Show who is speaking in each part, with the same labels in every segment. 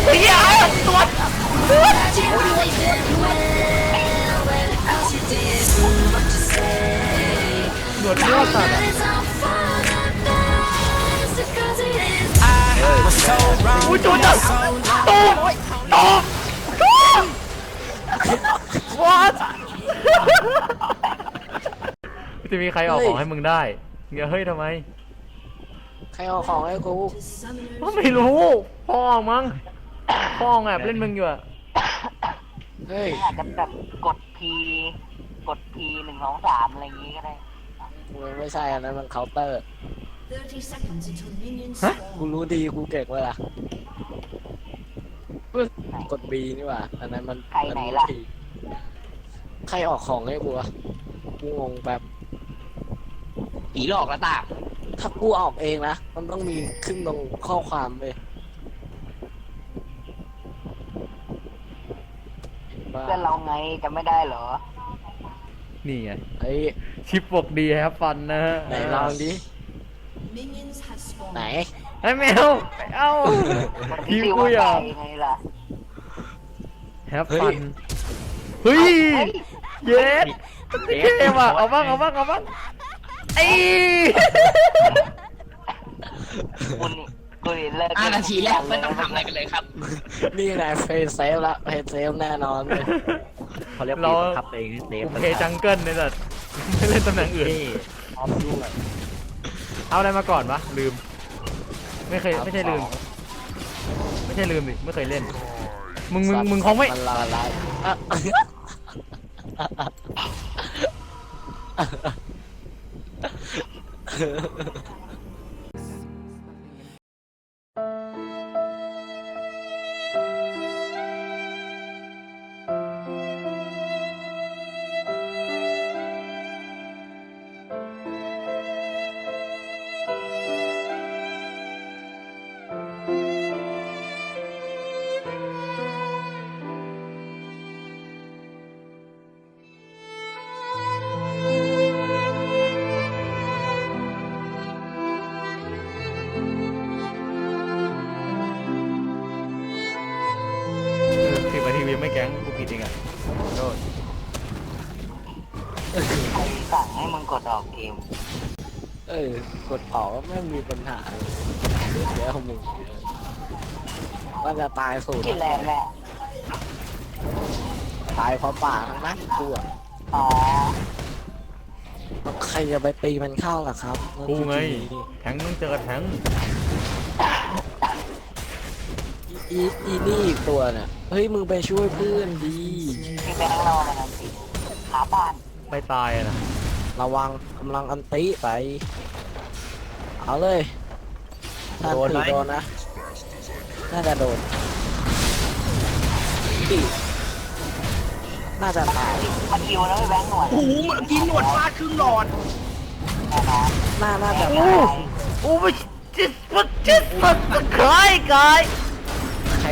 Speaker 1: เหี้ยตัวหนวดมั่วสัตว์อุ้ยจุดจับตูมwhat จะมีใครออกของให้มึงได้อย่าเฮ้ยทำไม
Speaker 2: ใครเอาของให้กู
Speaker 1: ไม่รู้พ่อมั้งพ่อแอบเล่นมึงอยู่อะ
Speaker 2: เฮ้ย
Speaker 3: อาจจะแบบกด P 1 2 3อะไรอย่างงี้ก็ได้
Speaker 2: ไม่ใช่อันนั้นมันเคาน์เตอร์กูรู้ดีกูเก่งเวลากด B นี่หว่าอันนั้นมัน
Speaker 3: ใครไหนล่ะ
Speaker 2: ใครออกของให้กูวะกูงงแบบ
Speaker 3: ผีหลอกละตา
Speaker 2: ถ้ากูออกเองนะมันต้องมีขึ้นตรงข้อความเลย
Speaker 3: เพื่อนเราไงจะไม่ได้เหรอ
Speaker 1: นี่ไง
Speaker 2: ไอ้
Speaker 1: ชิปปกดีครับฟันนะฮะ
Speaker 2: ไหนลองดิไหน
Speaker 1: ไอ้แมวเอ้าพี่กูอยากแฮปฟันเฮ้ยเย็ดเท่ว่ะเอาบ้างไอ้
Speaker 3: คุณเลิก
Speaker 4: 5 นาทีแรกไม่ต้องทำอะไรกันเลยครับ
Speaker 2: นี่ไงเพย์เซฟละเพย์เซฟแน่นอนเลย
Speaker 1: เขาเรียกเราขับเองเซฟเพย์จังเกิลเนี่ยแต่ไม่เล่นตำแหน่งอื่นเอาอะไรมาก่อนวะลืมไม่ใช่ลืมดิไม่เคยเล่นมึงคงไม่
Speaker 2: มันละลาย
Speaker 1: 10 นาทียังไม่แก๊งกูผิดเองอ่ะโทษ
Speaker 3: ใครสั่งให้มึงกดออกเกม
Speaker 2: กดออกก็ไม่มีปัญหาเดี๋ยวมึงมันจะตายสูด
Speaker 3: ที่แรงแหละ
Speaker 2: ตายเพราะป่าทั้งนั้นกูอ่ะ
Speaker 3: อ๋อ
Speaker 2: ใครจะไปตีมันเข้าล่ะครับ
Speaker 1: กูไงแทงต้องเจอแทง
Speaker 2: อีนี่อีกตัวเนี่ยเฮ้ยมึงไปช่วยเพื่อนดี
Speaker 3: ที่แบงค์เรามันอันติหาบ้าน
Speaker 1: ไปตายนะ
Speaker 2: ระวังกำลังอันติไปเอาเลยโดนนะน่าจะโดนดิน่าจะตาย
Speaker 3: มันคิวแล้วไม่แบงค์หนวด
Speaker 4: โอ้โหเมื่อกี้หนวดฟาดครึ่งหลอด
Speaker 2: น่าจะตาย
Speaker 1: โอ้ยจิตมันคล้ายกาย
Speaker 2: ใคร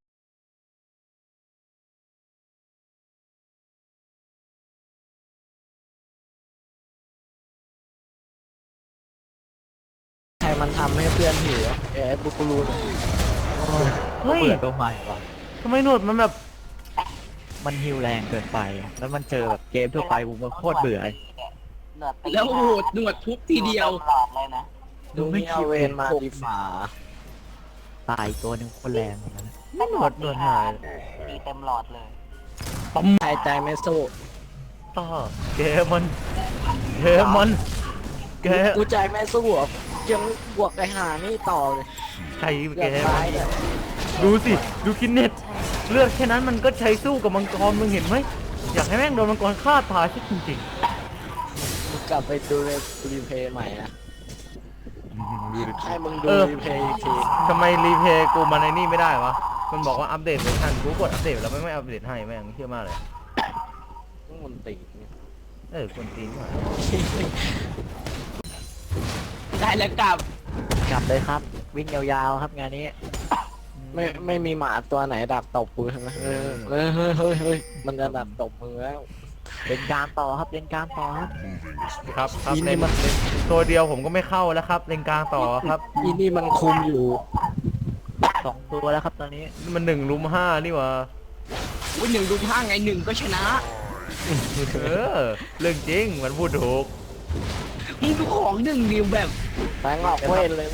Speaker 2: มันทำให้เพื่อนหิวบุกรูน
Speaker 1: เฮ้ย
Speaker 4: ตัวใหม่ว่ะ
Speaker 1: ทำไมหนวดมันแบบ
Speaker 4: มันฮิวแรงเกินไปแล้วมันเจอแบบเกมทั่วไปกูมันโคตรเบื่อแล้วโหดหนวดทุบทีเดียว
Speaker 3: หลอดเลยนะ
Speaker 2: ดูไม่เอาเวนมาดีฝ่า
Speaker 4: ตายตัวนึงคนแรงเหมือนกัน
Speaker 1: หนวดหาย
Speaker 3: ตีเต็มหลอดเลย
Speaker 2: หายใจไม่สู้
Speaker 1: ต่อเกมัน
Speaker 2: กูใจไม่สู้ยังบวกไอ้หานี่ต่อเลย
Speaker 1: ใครแกดูสิดูคินเน็ตเลือดแค่นั้นมันก็ใช้สู้กับมังกรมึงเห็นไหมอยากให้แม่งโดนมังกรฆ่าตายจริง
Speaker 2: ๆกลับไปดูรีเพย์ใหม่นะให้มึงดูรีเพย์ที
Speaker 1: ทำไมรีเพย์กูมาในนี่ไม่ได้วะมันบอกว่าอัปเดตเวอร์ชันกูกดอัปเดตแล้วไม่อัปเดตให้แม่งเชื่อมากเลย
Speaker 2: มันตี
Speaker 1: คนตีนหน่อย
Speaker 4: ได้แล้วกลับเลยครับวิ่งยาวๆครับงานนี้
Speaker 2: ไม่มีหมาตัวไหนดักตบกูใช่ไหมเฮ้ยมันจะดักตบมือแล้ว
Speaker 4: เล่นการต่อครับเล่นการต่อ
Speaker 1: ครับเล่นตัวเดียวผมก็ไม่เข้าแล้วครับเล่นกลางต่อครับ
Speaker 2: อีนี่มันคุมอยู่
Speaker 4: 2 ตัวแล้วครับตอนนี้
Speaker 1: มัน1 รุม 5นี่หวะ
Speaker 4: อุ้ย1 ดู 5ไง1ก็ชนะ
Speaker 1: เรื่องจริงมันพูดถูก
Speaker 4: มึงดูของ1เดียวแบบ
Speaker 2: แบงค์ออกเว้นเลย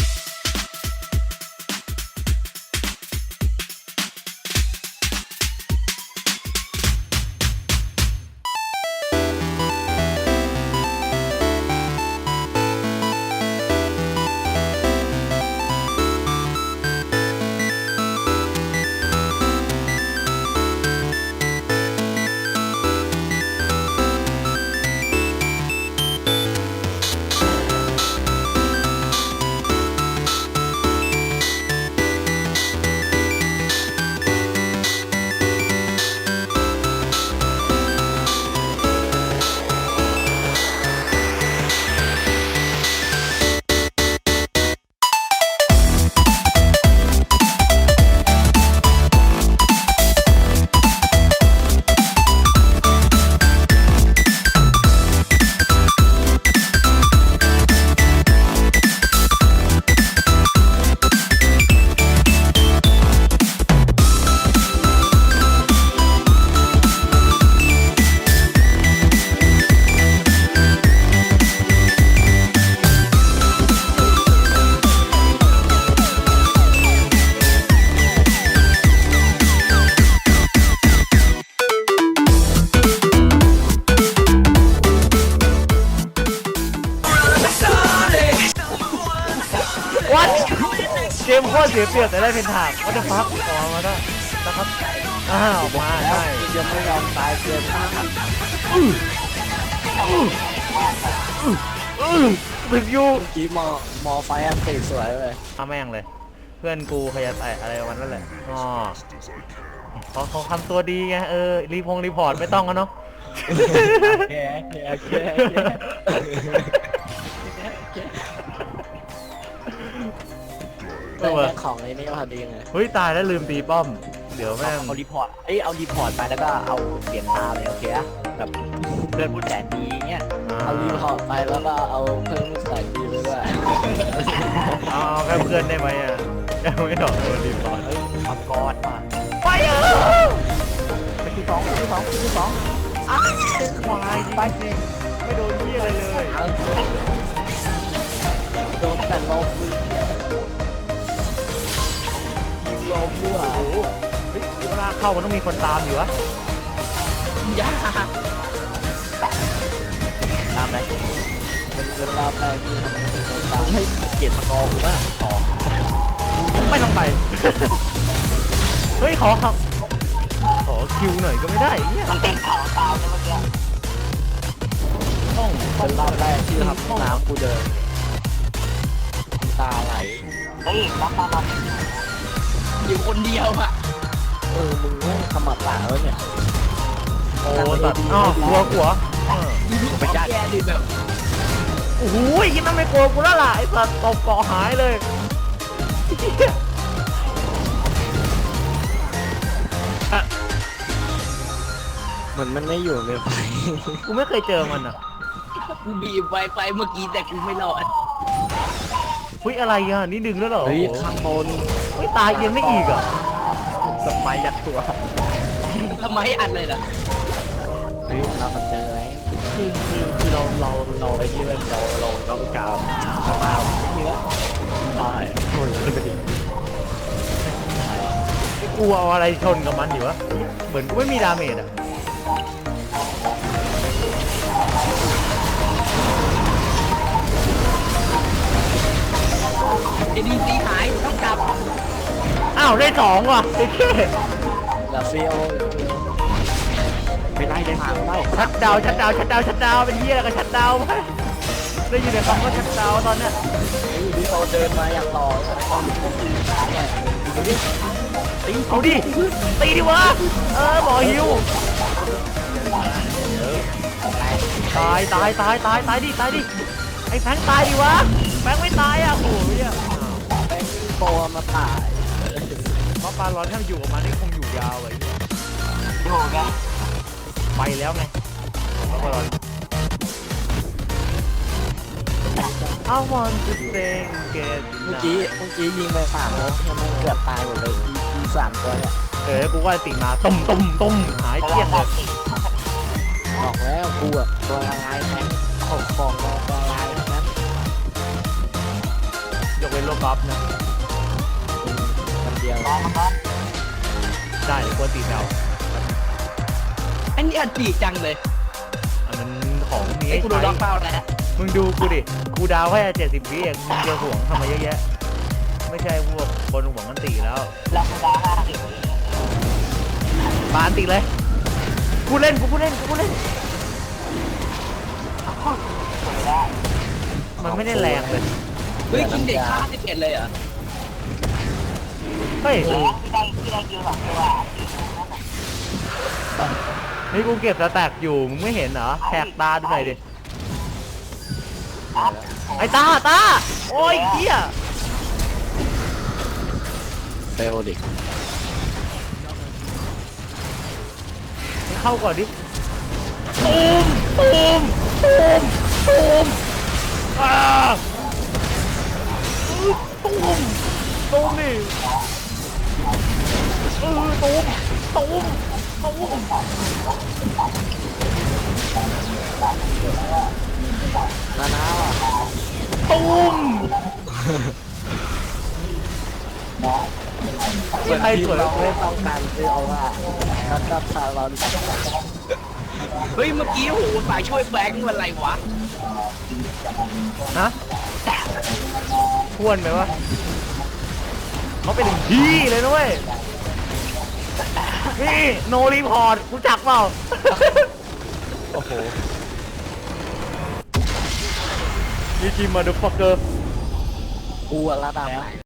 Speaker 1: วัดเกมโคตรเสียเปรียบแต่ได้เป็นถากวัดจะฟักออกมาได้นะครับอ้าวมา
Speaker 2: แล้ว
Speaker 1: ได้
Speaker 2: ยังไม่ยอมตายเกินมาก
Speaker 1: ถึงอยู่
Speaker 2: เมื่อกี้มอไฟอันติสวยเลย
Speaker 1: เอาแม่งเลย เพื่อนกูขยันแต่อะไรประมาณนั้นแหละอ๋อเขาทำตัวดีไงรีพอร์ตไม่ต้องกันเนาะ
Speaker 2: แก ได้แค่ของไอ้นี่พอดีไง
Speaker 1: เฮ้ยตายแล้วลืมตีป้อม เดี๋ยวแม่ง
Speaker 4: เอารีพอร์ตเอารีพอร์ตไปแล้วก็เอาเปลี่ยนตาเลยโอเคอะแบบเพื่อนพูดแสนดีเงี้ย
Speaker 2: เอารีพอร์ตไปแล้วก็เอาเพิ่มใส่ดีไปด้วย
Speaker 1: เอาแค่เพื่อนได้ไหมอ่ะยังไม่หนอกตัวรีพอร์ต
Speaker 4: มังกรมา
Speaker 1: ไป
Speaker 4: ไปที่2
Speaker 1: อ้าวควายไปจริงไม่โดนเหี้ยอะไรเลย
Speaker 2: โดนแต่ลมลมด้วย
Speaker 1: เฮ้ยเวลาเข้ามันต้องมีคนตามอยู่วะ
Speaker 4: ยาตามไหน
Speaker 2: เป็นเวลาแปลกที่ทำให้เป็นคนตาม
Speaker 4: ให้เกียรติมังกรกูบ้างต่อ
Speaker 1: ไม่ต้องไป เฮ้ยขอคิวหน่อยก็ไม่ได้เนี่ย
Speaker 3: มันเป็นเขาตายเลยเมื่อกี้
Speaker 2: เป็นรอบแรกที่ทำน้ำกูเดินตาไหล
Speaker 3: เฮ้ยรับมา
Speaker 4: อยู่คนเดียวอะ
Speaker 2: มึงไม่ขมับตาแล้วเนี่ย
Speaker 1: โอ้ตัดอ้าวกลัว
Speaker 4: ไปจ้าแย่ดิแบบ
Speaker 1: โอ้โหยิ่งนั่นไม่กลัวกูแล้วล่ะไอ้สัตว์ตบเกาะหายเลยอ่ะ
Speaker 2: เหมือนมันไม่อยู่ในไฟ
Speaker 1: กูไม่เคยเจอมันอ่ะ
Speaker 4: กูบีบไวไฟเมื่อกี้แต่กูไม่รอด
Speaker 1: เฮ้ยอะไรอ่ะนี่ดึงแล้วเหรอ
Speaker 2: เฮ้ยข้างบน
Speaker 1: เฮ้ยตายยังไม่อีกอ่ะ
Speaker 4: สมัยยัดตัวทำไมอัดเลยล่ะ
Speaker 2: เฮ้ยเราเจอแล้ว
Speaker 4: คือเราไอ้นี่เลยเรากาวมาไม่มีแล้วตายโอ้ยเลยไปดิ
Speaker 1: กูเอาอะไรชนกับมันอยู่วะเหมือนกูไม่มีดาเมจอ่ะ
Speaker 4: ADC หายต้องกลับ
Speaker 1: อ้าวได้2ว่ะไอ้เท่
Speaker 2: ลาฟิโอ
Speaker 4: ไม่ไล่ได้หางไล่
Speaker 1: ชัดดาวเป็นเหี้ยอะไรกับชัดดาวไหมได้ยินแต่คำว่าชัดดาวตอนเนี้ย
Speaker 2: ดิโอเดินมาอย่างหล่อเนี่ย
Speaker 1: เอาดิตีดิวะหมอฮิวตายดิไอ้แฟงตายดิวะแฟงไม่ตายอ่ะโอ้ยอ่ะ
Speaker 2: เป็นโปรมาตาย
Speaker 1: เพราะปลาร้อนถ้ามันอยู่กับมันนี่คงอยู่ยาวเลย
Speaker 3: อยู่ไง
Speaker 1: ไปแล้วไงเพราะปลาร้อน I want to sing get
Speaker 2: เมื่อกี้ยิงไป3 นัดมันเกือบตายหมดเลยอี3 ตัวเนี่ย
Speaker 1: กูว่าติมาต้มหายเกลี้ยงเลย
Speaker 2: บอกแล้วกูอะตัวละลายแทงของตัวละลายทั้งนั้น
Speaker 1: ยกเว้นโลกอล์ฟนะ
Speaker 2: คนเดียว
Speaker 3: รอมาก่อน
Speaker 1: ได้กลัวติดเอา
Speaker 4: อันนี้อัดจีจังเลย
Speaker 1: อันนั้นของมี
Speaker 4: ไอ้
Speaker 1: ให้
Speaker 4: กูโดนล็อก
Speaker 1: ใช้
Speaker 4: เป้าแล้ว
Speaker 1: มึงดูกูดิกูดาวแค่70 วิเองมึงจะห่วงทำไมเยอะแยะไม่ใช่พวกคนห่วงกันตีแล้ว
Speaker 3: เราคุณดาว50
Speaker 1: ปานติเลยกูเล่น
Speaker 3: ไม่ได้
Speaker 1: มันไม่ได้แรงเลย
Speaker 4: เฮ้ยกินเด็กฆ่า11เลยเหรอ
Speaker 1: เฮ้ย
Speaker 3: ที่ได้คิว2 ตัวนั่นน่ะ
Speaker 1: นี่กูเก็บสแต็กอยู่มึงไม่เห็นเหรอแหกตาดูหน่อยดิไอ้ตาโอ้ยเหี้ย
Speaker 2: เฟลดิ
Speaker 1: เข้าก่อนดิตูมอ่าตูมนี่ตูม
Speaker 2: นานาว่ะ
Speaker 1: ตูมใครสวย
Speaker 2: เราไม่ต้องการซื้อเอาว่ารับชาเราดิ
Speaker 4: เฮ้ยเมื่อกี้โอ้โหฝ่ายช่วยแบงค์มันอะไรวะ
Speaker 1: นะทวนไหมวะเขาเป็นพี่เลยนะเว้ยนี่โนรีพอร์ตกูจักเปล่า
Speaker 2: โอ้โห
Speaker 1: นี่จีมาดูฟักเกอร์
Speaker 2: กูอะระดับไหน